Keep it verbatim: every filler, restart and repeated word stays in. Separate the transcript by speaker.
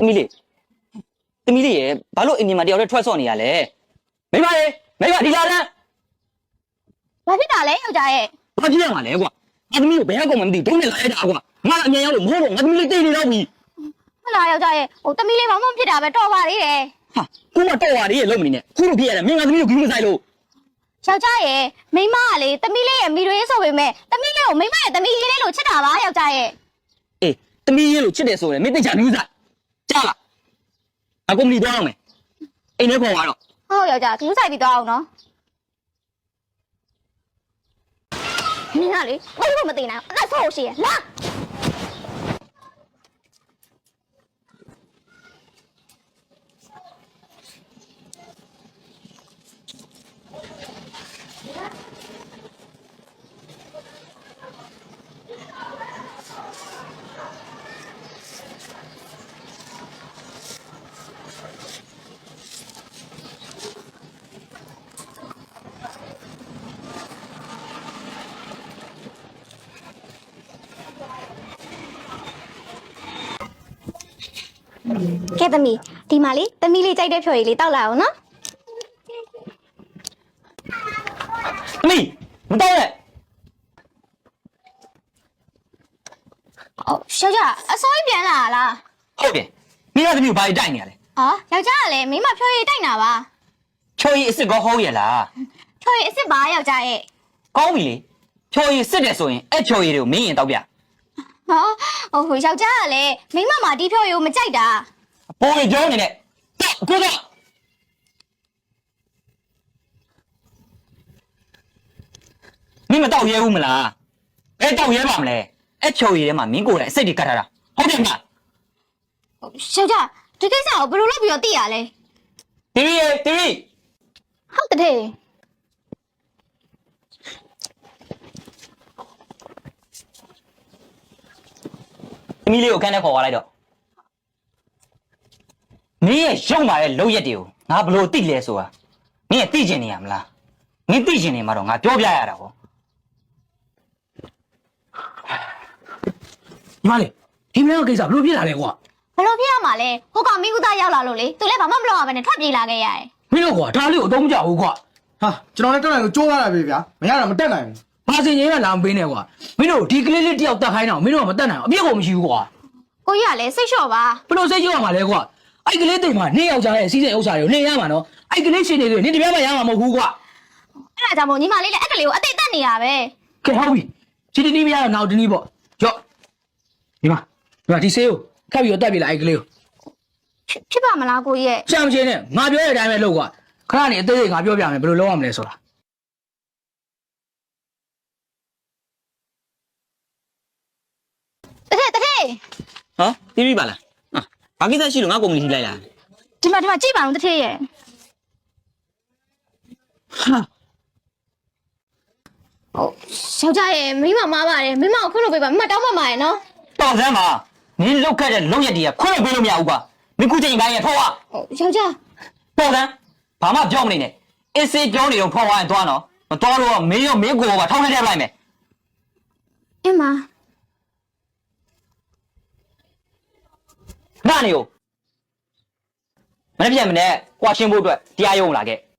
Speaker 1: သမီးလေးသမီးလေးရဲ့ဘာလို့အင်ဂျင်မှာတယောက်တည်းထွက်ဆော့နေရလဲမိမလေးမိမဒီလာလန်း
Speaker 2: ဘာဖြစ်တာလဲယောက်ျားရဲ့
Speaker 1: ဘာဖြစ်ရမှာလဲကွာငါသမီးကိုဘယ်ရောက်မှမသိဒုံးနဲ့လာရတာကွာငါအမြန်ရောက်လို့မဟုတ်တော့ငါသမီးလေးတိတ်နေတော့ပြီ
Speaker 2: ဟလာယောက်ျားရဲ့ဟိုသမီးလေးဘာမှမဖြစ်တာပဲတော်ပါသေးတယ်
Speaker 1: ဟာကိုမတော်ပါသေးရဲ့လုံးမနေနဲ့ခုလိုဖြစ်ရတယ်မင်းငါသမီးကိုဂူးမဆိုင်လို့
Speaker 2: ယောက်ျားရဲ့မိမကလေသမီးလေးရဲ့မိရွေးဆိုပေမဲ့သမီးလေးကိုမိမရဲ့သမီးလေးလို့ချစ်တာပါယောက်ျားရဲ့
Speaker 1: အေးသမီးလေးလို့ချစ်တယ်ဆိုရင်မင်းသိချာဘူးစားကြားလားအကုမ္ပဏီသွားအောင်မယ်အိမ်ထဲခေါ်သွားတော့
Speaker 2: ဟုတ်ယောက်ျားဂူးဆိုင်ပြီးသွားအောင်နော်မင်းကလေဘာလို့မသိနိုင်အသက်ဆုံးရှိရလာကဲသမီးဒီမှာလေသမီးလေးကြိုက်တဲ့ဖြော်ရည်လေးတောက်လာအောင်နော်
Speaker 1: သမီးမတောက်နဲ့
Speaker 2: အော်ယောက်ျားအစိုးရပြန်လာလား
Speaker 1: ဟုတ်တယ်မင်းကသမီးကိုဘာတိုက်နေရလဲ
Speaker 2: ဟာယောက်ျားကလည်းမိမဖြော်ရည်တိုက်နာပါ
Speaker 1: ဖြော်ရည်အစ်စ်ကောဟုတ်ရဲ့လား
Speaker 2: ဖြော်ရည်အစ်စ်ပါယောက်ျားရဲ့
Speaker 1: ကောင်းပြီလေဖြော်ရည်စစ်တယ်ဆိုရင်အဲ့ဖြော်ရည်တွေကိုမင်းရင်တောက်ပြ
Speaker 2: ဟောဟိုဟိုယောက်ျားကလည်းမိမမှာဒီဖြော်ရည်ကိုမကြိုက်တာ
Speaker 1: ပိုးရကြောင်းနေနဲ့ကိုကမင်းမတောက်ရဲဘူးမလားအဲ့တောက်ရဲပါမလဲအဲ့ဖြော်ရည်ထဲမှာမင်းကိုယ်တိုင်အစိတ်တွေကတ်ထားတာဟုတ်တယ်မလား
Speaker 2: ယောက်ျားဒီကိစ္စကိုဘယ်လိုလုပ်ပြီးတော့သိရလဲ
Speaker 1: တီဗီတီဗီ
Speaker 2: ဟုတ်တယ်
Speaker 1: သမီးလေးကိုခန်းထဲခေါ်သွားလိုက်တော့မင်းရဲ့ရုံမာတဲ့လောက်ရက်တွေကိုငါဘလို့သိလဲဆိုတာမင်းရဲ့သိကျင်နေရမလားမင်းသိကျင်နေမှာတော့ငါပြောပြရတာပေါ့ညီမလေးဒီမင်းကကိစ္စဘလို့ဖြစ်လာလဲကွာ
Speaker 2: ဘလို့ဖြစ်ရမှာလဲဟိုကောင်မင်းကူသားရောက်လာလို့လေသူလည်းဘာမှမလုပ်ရဘဲနဲ့ထွက်ပြေးလာခဲ့ရတယ်
Speaker 1: မင်းတို့ကွာဒါလေးကိုအသုံးမကျဘူးကွာ
Speaker 3: ဟာကျွန်တော်လည်းတက်နိုင်လို့ကြိုးရတာပဲဗျာမရတာမတက်နိုင်ဘူး
Speaker 1: ဘာစင်ကြီးကလာမပေးနဲ့ကွာမင်းတို့ဒီကလေးလေးတယောက်တက်ခိုင်းတော့မင်းတို့ကမတက်နိုင်အောင်အပြစ်ကိုမရှိဘူးကွာ
Speaker 2: ကိုကြီးကလည်းစိတ်လျှော့ပါ
Speaker 1: ဘလို့စိတ်လျှော့ရမှာလဲကွာအဲ့ကလေးတိမ်မှာနေယောက်ျားရဲ့စီးစိမ်ဥစ္စာတွေကိုနေရမှာနော်အဲ့ကလေးရှင်နေလို့နေတပြားမှရမှာမဟုတ်ဘူးကွာ
Speaker 2: အဲ့ဒါကြောင့်မို့ညီမလေးလည်းအဲ့ကလေးကိုအသိတက်နေရပဲ
Speaker 1: ကဲဟုတ်ပြီစီတီနီးမရတော့နောက်တနည်းပေါ့ကြော့ဒီမှာဒီမှာဒီဆေးကိုခက်ပြီးတော့တက်ပြလိုက်အဲ့ကလေးကို
Speaker 2: ဖြစ်ပါမလားကိုကြီးရဲ့
Speaker 1: ရှမ်းချင်းနဲ့ငါပြောတဲ့အတိုင်းပဲလုပ်ကွာခဏနေအသေးသေးငါပြောပြမယ်ဘယ်လိုလုပ်ရမလဲဆိုတာ
Speaker 2: တထက်တထက်
Speaker 1: ဟောပြီးပြီပါလားဘာကိစ္စရှိလို့ငါကုမ္ပဏီထိလိုက်လား
Speaker 2: ဒီမှာဒီမှာကြည့်ပါဦးတထက်ရဲ့ဟာဟုတ်ယောက်ျားရဲ့မိမမားပါတယ်မိမကိုခွင့်လို့ပေးပါမိမတောင်းပန်ပါရဲ့နော်
Speaker 1: တော်စမ်းပါနင်းလောက်ခက်တဲ့လုံရက်တည်းကခွင့်လို့ပေးလို့မရဘူးကွာမင်းခုချိန်ပိုင်းရဲ့ဖောက်ရ
Speaker 2: ဟုတ်ယောက်ျား
Speaker 1: တော်စမ်းဘာမှပြောမနေနဲ့အစ်စေးကြောင်းနေတော့ဖောက်သွားရင်သွားနော်မသွားတော့မင်းရောမင်းကိုပါထောင်းထည့်ထည့်လိုက်မယ်
Speaker 2: အင်းမ
Speaker 1: နာနေ ਉਹ မနေ့ပြန်မနေ့ကွာရှင်းဖို့အတွက်တရားရုံးလာခဲ့